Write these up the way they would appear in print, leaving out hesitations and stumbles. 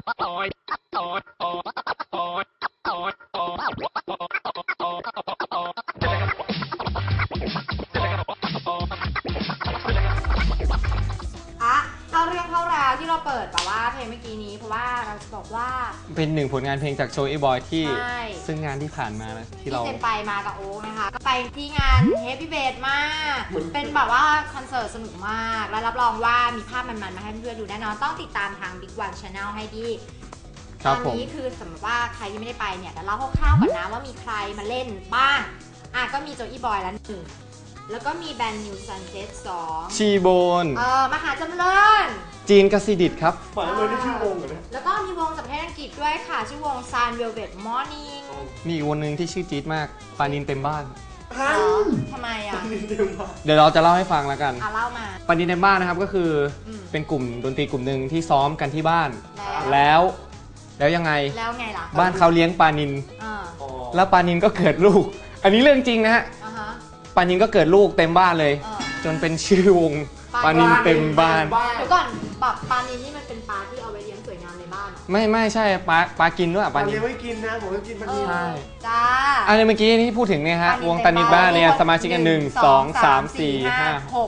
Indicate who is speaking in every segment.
Speaker 1: เข้าเรื่องเข้าราวที่เราเปิดแบบว่าเพลงเมื่อกี้นี้เพราะว่าเราจะบอกว่า
Speaker 2: เป็นหนึ่งผลงานเพลงจากโจอี้บอยที่ซึ่งงานที่ผ่านมานะที่เรา
Speaker 1: เจนไปมากับโอ๊คนะคะก็ไปที่งานเฮฟวี่เบสมากเป็นแบบว่าคอนเสิร์ตสนุกมากและรับรองว่ามีภาพมันๆมาให้เพื่อนๆดูแน่นอนต้องติดตามทาง Big One Channel ให้ดีตอนนี้คือสมมติว่าใครที่ไม่ได้ไปเนี่ยเดี๋ยวเล่าคร่าวๆก่อนนะว่ามีใครมาเล่นบ้างก็มีโจอี้บอยแล้วหนึ่งแล้วก็มีแบรนด์นิวซันเซ็ต2
Speaker 2: ชีโบน
Speaker 1: มหาจำเริญ
Speaker 2: จีนกสิดิตครับ
Speaker 3: ฝันเลยนี่ชื่อวงเหรอเนี่ย
Speaker 1: แล้วก็มีวงจากประเทศอังกฤษด้วยค่ะชื่อวง Sun Velvet Morning
Speaker 2: มีอีกวงหนึ่งที่ชื่อจี๊ดมากปานินเต็มบ้าน
Speaker 1: ทำไม
Speaker 2: เดี๋ยวเราจะเล่าให้ฟังแล้วกัน
Speaker 1: เล่ามา
Speaker 2: ปานินเต็มบ้านนะครับก็คือเป็นกลุ่มดนตรีกลุ่มหนึ่งที่ซ้อมกันที่บ้านแล้วยังไง
Speaker 1: ล่ะ
Speaker 2: บ้านเขาเลี้ยงปานินแล้วปานินก็เกิดลูกอันนี้เรื่องจริงนะฮะปานินก็เกิดลูกเต็มบ้านเลยจนเป็นชื่อวงปานินเต็มบ้าน
Speaker 1: เดี๋ยวก่อนแบบปานินนี่มันเป็นปลาที่เอาไว้เลี้ยงสวยงามในบ้าน
Speaker 2: ไม่ใช่ปลากินด้วย
Speaker 3: ปานินไม่กินนะผมก็กินปานิน
Speaker 2: ใช่
Speaker 1: จ้า
Speaker 2: อันนี้เมื่อกี้ที่พูดถึงเนี่ยฮะวงปานินบ้านเนี่ยสมาชิกกัน1 2 3 4 5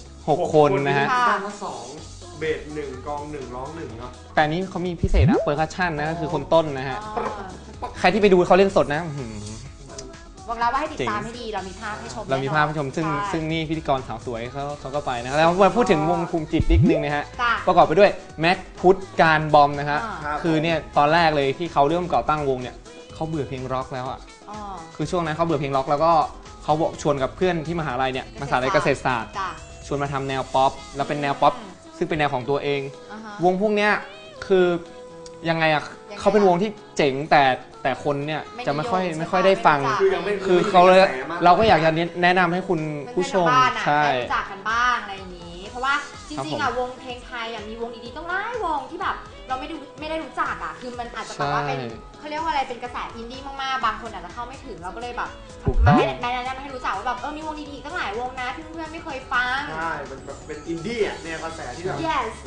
Speaker 2: 6 คนนะฮะ
Speaker 3: ตั้งว่า2เบส1กอง1ร้อง1เนาะ
Speaker 2: แต่นี้เขามีพิเศษนะเปอร์คัชชั่นนะก็คือคนต้นนะฮะใครที่ไปดูเขาเล่นสดนะ
Speaker 1: บอกแล้วว่าให้ติดตามให้ดีเรามีภาพให้ชม
Speaker 2: ซึ่งนี่พิธีกรสาวสวยเขาก็ไปนะแล้วมาพูดถึงวงภูมิจิตนิดนึงนะฮะประกอบไปด้วยแม็กพุทธการบอมนะฮะคือเนี่ยตอนแรกเลยที่เขาเริ่มก่อตั้งวงเนี่ยเขาเบื่อเพลงร็อกแล้วอ่ะคือช่วงนั้นเขาเบื่อเพลงร็อกแล้วก็เขาบอกชวนกับเพื่อนที่มหาลัยเนี่ยมหาลัยเกษตรศาสตร์ชวนมาทำแนวป๊อปแล้วเป็นแนวป๊อปซึ่งเป็นแนวของตัวเองวงพวกเนี้ยคือยังไงอ่ะเขาเป็นวงที่เจ๋งแต่คนเนี่ยจะไม่ค่อยได้ฟังคือเขาเลยเราก็อยากจะแนะนำให้คุณผู้ชม
Speaker 1: ใช่รู้จักกันบ้างอะไรอย่างนี้เพราะว่าจริงๆวงเพลงไทยมีวงดีๆต้องหลายวงที่แบบเราไม่ได้รู้จักคือมันอาจจะแบบว่าเป็นเขาเรียกว่าอะไรเป็นกระแสอินดี้มากๆบางคนอาจจะเข้าไม่ถึงเราก็เลยแบบมาให้แนะนำให้รู้จักว่าแบบมีวงดีๆตั้งหลายวงนะที่เพื่อนๆไม่เคยฟัง
Speaker 3: ใช่มันแบบเป็นอินดี้แนวกระแสที่แบบ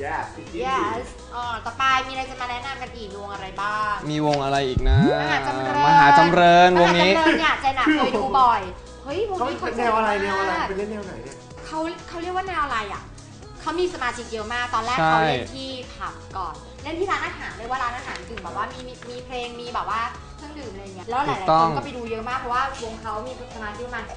Speaker 1: yes ต่อไปมีอะไรจะมาแนะนำกันอีกวงอะไรบ้าง
Speaker 2: มีวงอะไรอีกนะมหาจำเริญวงนี้
Speaker 1: เนี่ยเจนเคยดูบ่อยเฮ้ยวงนี้
Speaker 3: เขาเป็นแนวอะไรเป็นเล่นแนวไหนเนี่ย
Speaker 1: เขาเรียกว่าแนวอะไรเขามีสมาชิกเยอะมากตอนแรกเขาเล่นที่ผับก่อนเล่นที่ร้านอาหารเรียกว่าร้านอาหารถึงแบบว่ามีเพลงมีแบบว่าเครื่องดื่มอะไรเงี้ยแล้วหลายๆคนก็ไปดูเยอะมากเพราะว่าวงเขามีสมาชิกประมาณ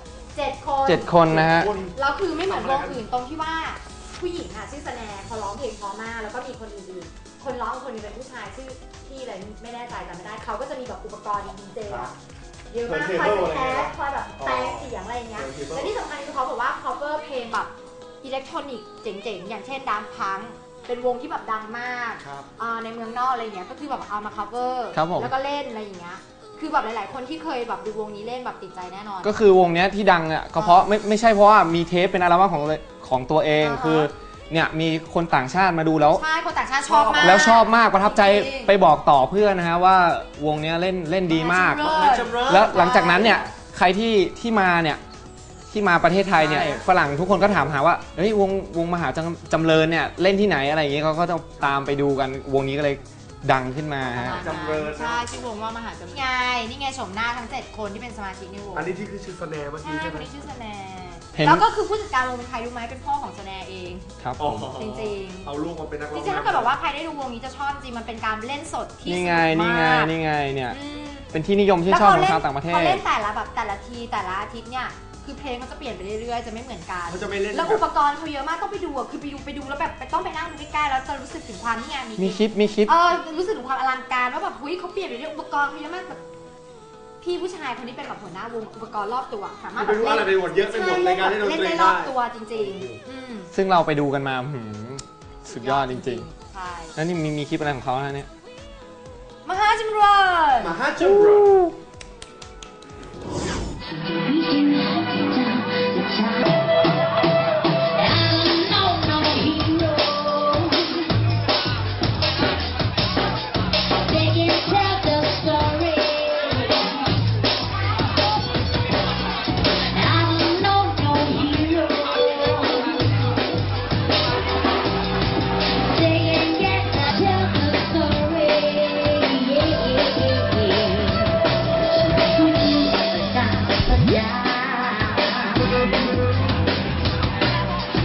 Speaker 1: 7
Speaker 2: คนนะฮะ
Speaker 1: แล้วคือไม่เหมือนวงอื่นตรงที่ว่าผู้หญิงชื่อสแนร์เขาร้องเพลงเพราะมากแล้วก็มีคนอื่นๆคนร้องคนนึงเป็นผู้ชายชื่อที่อะไรไม่แน่ใจจำไม่ได้เขาก็จะมีแบบอุปกรณ์ดีเจเยอะมากคอยแคสคอยแบบแปลงเสียงอะไรอย่างเงี้ยและที่สำคัญคือเขาบอกว่า cover เพลงแบบอิเล็กทรอนิกส์เจ๋งๆอย่างเช่นดังพังเป็นวงที่แบบดังมากในเมืองนอกอะไรเงี้ยก็คือแบบเอามา cover แล้วก็เล่นอะไรอย่างเงี้ยคือแบบหลายๆคนที่เคยแบบดูวงนี้เล่นแบบติดใจแน่นอน
Speaker 2: ก็คือวงนี้ที่ดังก็เพราะไม่ใช่เพราะว่ามีเทปเป็นอัลบั้มของตัวเองคือเนี่ยมีคนต่างชาติมาดูแล้ว
Speaker 1: ใช่คนต่างชาติชอบมาก
Speaker 2: แล้วชอบมากประทับใจไปบอกต่อเพื่อนนะฮะว่าวงนี้เล่นดีมากแล้วหลังจากนั้นเนี่ยใครที่มาเนี่ยที่มาประเทศไทยเนี่ยฝรั่งทุกคนก็ถามหาว่าเฮ้ยวงมหาจำเริญเนี่ยเล่นที่ไหนอะไรอย่างเงี้ยเขาก็จะตามไปดูกันวงนี้ก็เลยดังขึ้นมา
Speaker 3: จำเริญ
Speaker 1: ใช่ชื่อวงว่ามหาจำเริญนี่ไงชมหน้าทั้ง7คนที่เป็นสมาชิกในวง
Speaker 3: อันนี้ที่คือชื่อสแนร์เมื่อกี้ใช่ไหม
Speaker 1: ชื่อสแนร์แล้วก็คือผู้จัดการวงเป็นใครรู้ไหมเป็นพ่อของสแนร์เอง
Speaker 2: ครับ
Speaker 1: จริง
Speaker 3: ๆเอาลูกมาเป็นนักร้อง
Speaker 1: จริงๆถ้าเกิดบอกว่าใครได้ดูวงนี้จะชอบจริงมันเป็นการเล่นสดที่
Speaker 2: นี่ไงเนี่ยเป็นที่นิยมที่ชอบของชาวต่างประเทศ
Speaker 1: เขาเล่นแต่ละอาทิตย์เนี่ยคือเพลงเขาจะเปลี่ยนไปเรื่อยๆจะไม่เหมือนกันแล้วอุปกรณ์เขาเยอะมากต้องไปดูคือไปดูแล้วแบบต้องไปนั่งดูใกล้ๆแล้วจะรู้สึกถึงความนี่ไง
Speaker 2: มีคลิป
Speaker 1: รู้สึกถึงความอลังการว่าแบบเฮ้ยเขาเปลี่ยนไปเรื่อยอุปกรณ์เขาเยอะมากแบบพี่ผู้ชายคนนี้เป็นแบบหัวหน้าวงอุปกรณ์รอบตัวสามารถ
Speaker 3: แบบเล่นอะไรไปหมดเยอะไปหมดในการเล่นดนตรี
Speaker 1: ได้รอบตัวจริง
Speaker 2: ๆซึ่งเราไปดูกันมาสุดยอดจริงๆใช่แล้วนี่มีคลิปอะไรของเขานะเนี่ย
Speaker 1: มหาจำเริญ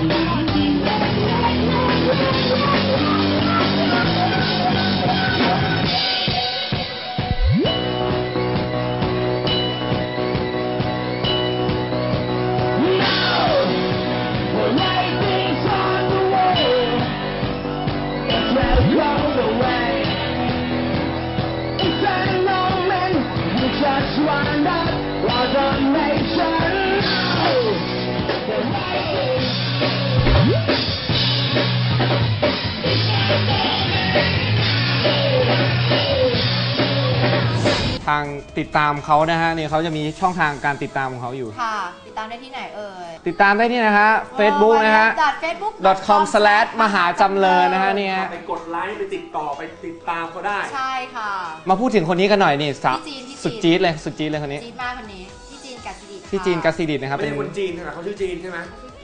Speaker 2: ทางติดตามเขานะฮะเนี่ยเขาจะมีช่องทางการติดตามของเขาอยู่
Speaker 1: ค่ะติดตามได้ที่ไหนเอ่ย
Speaker 2: ติดตามได้ที่นะฮะ Facebook นะฮะ
Speaker 1: facebook.com/
Speaker 2: มหาจำเริญนะฮะเนี่ย
Speaker 3: ไปกดไลค์ไปติดต่อไปติดตามเขาได้
Speaker 1: ใช่ค่ะ
Speaker 2: มาพูดถึงคนนี้กันหน่อยนี่สุดจี๊ดเลยคนนี้
Speaker 1: จี๊ดมากคนนี้พี่จีนกัสซิดิต
Speaker 2: พี่จีนกัสซิดิตนะครับ
Speaker 3: เป็นคนจีนใช่ไหมเขาชื่อจีนใช่ไหม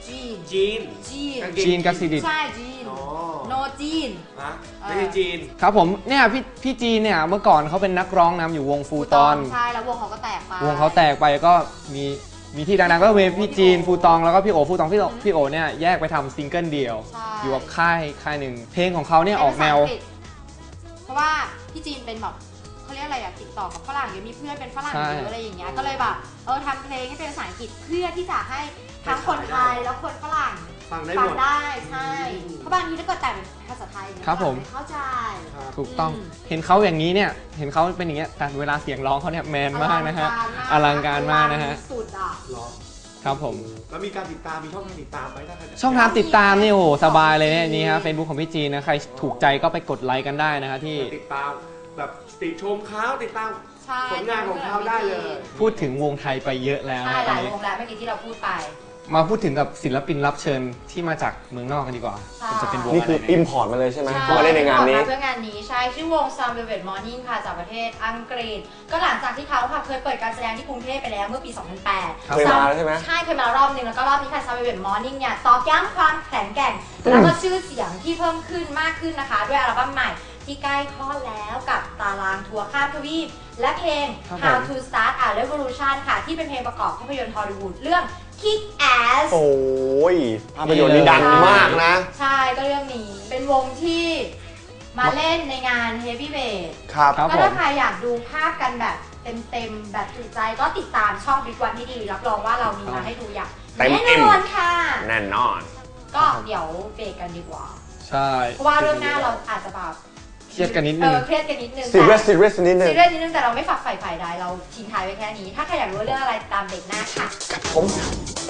Speaker 2: จีนกัสซิดิต
Speaker 1: ใช่จีนโนจีน
Speaker 3: ไม่ใช่จีน
Speaker 2: ครับผมเนี่ยพี่จีนเนี่ยเมื่อก่อนเขาเป็นนักร้องนำอยู่วงฟูตอน
Speaker 1: ใช่แล้ววงเขาก็แตกไป
Speaker 2: ก็มีที่ดังๆก็เป็นพี่จีนฟูตองแล้วก็พี่โอฟูตองพี่โอเนี่ยแยกไปทำซิงเกิลเดียวอยู่กับค่ายหนึ่งเพลงของเขาเนี่ยออกแนว
Speaker 1: เพราะว่าพี่จีนเป็นแบบเขาเรียกอะไรอะติดต่อกับฝรั่งเยอะมีเพื่อนเป็นฝรั่งเยอะอะไรอย่างเงี้ยก็เลยแบบทำเพลงให้เป็นภาษาอังกฤษเพื่อที่จะให้ทั้งคนไทยแล้วคนฝรั่ง
Speaker 3: ฟัง
Speaker 1: ได้ใช่เพราะบางทีถ้าเกิดแต่งเป็นภาษาไทย
Speaker 2: ครับผม
Speaker 1: เข้าใจ
Speaker 2: ถูกต้องเห็นเขาอย่างนี้เนี่ยเห็นเขาเป็นอย่างเงี้ยแต่เวลาเสียงร้องเขาเนี่ยแมนมากนะฮะอลังการมากนะฮะ
Speaker 1: สุดอ่ะ
Speaker 2: ครับผม
Speaker 3: แล้วมีการติดตามมีช่องทางติดตามไหม
Speaker 2: ช่องทางติดตามนี่โอ้สบายเลยเนี่ยนี่ฮะ Facebook ของพี่จีนนะใครถูกใจก็ไปกดไลค์กันได้นะฮะที่
Speaker 3: ติดตามแบบติดชมเขาติดตามผลงานของเขาได้เลย
Speaker 2: พูดถึงวงไทยไปเยอะแล้ว
Speaker 1: ใช่หลายวงแล้วเมื่อกี้ที่เราพูดไป
Speaker 2: มาพูดถึงกับศิลปินรับเชิญที่มาจากเมืองนอกกันดีกว่า
Speaker 4: จะเป็นวงนี่คืออิมพอร์ตมาเลยใช่ไหมมาเล่นในงานนี้
Speaker 1: เพื่องานนี้ใช่ชื่อวง Sun Velvet Morning ค่ะจากประเทศอังกฤษก็หลังจากที่เขาค่ะเคยเปิดการแสดงที่กรุงเทพไปแล้วเมื่อปี 2008
Speaker 4: เคยมาใช่ไหม
Speaker 1: ใช่เคยมารอบนึงแล้วก็รอบนี้ค่ะ Sun Velvet Morning เนี่ยตอกย้ำความแข็งแกร่งแล้วก็ชื่อเสียงที่เพิ่มขึ้นมากขึ้นนะคะด้วยอัลบั้มใหม่ที่ใกล้คลอดแล้วกับตารางทัวร์ข้ามทวีปและเพลง How to Start a Revolution ค่ะที่เป็นเพลงประกอบภาพยนตร์ฮอลลีวูดเรื่อง Kick Ass
Speaker 4: โอ้ยภาพยนตร์นี้ดังมากนะ
Speaker 1: ใช่ก็เรื่องนี้เป็นวงที่มาเล่นในงาน Heavy Weight
Speaker 4: ครับ
Speaker 1: ก็ถ้าใครอยากดูภาพกันแบบเต็มแบบจุใจก็ติดตามช่องบิ๊กวันที่ดีรับรองว่าเรามีมาให้ดูอย่างแน่นอนค่ะ
Speaker 4: แน่นอน
Speaker 1: ก็เดี๋ยวเบรกกันดีกว่า
Speaker 2: ใช่
Speaker 1: เพราะว่าเรื่องหน้าเราอาจจะแบบ
Speaker 2: เครียดกันนิดนึง
Speaker 1: เครียดกันนิดนึง
Speaker 4: ซีเรียสนิด
Speaker 1: นึงแต่เราไม่ฝักใฝ่ฝ่ายใดเราทิ้งท้ายไว้แค่นี้ถ้าใครอยากรู้เรื่องอะไรตามเบรกหน้าค่ะ
Speaker 4: ผม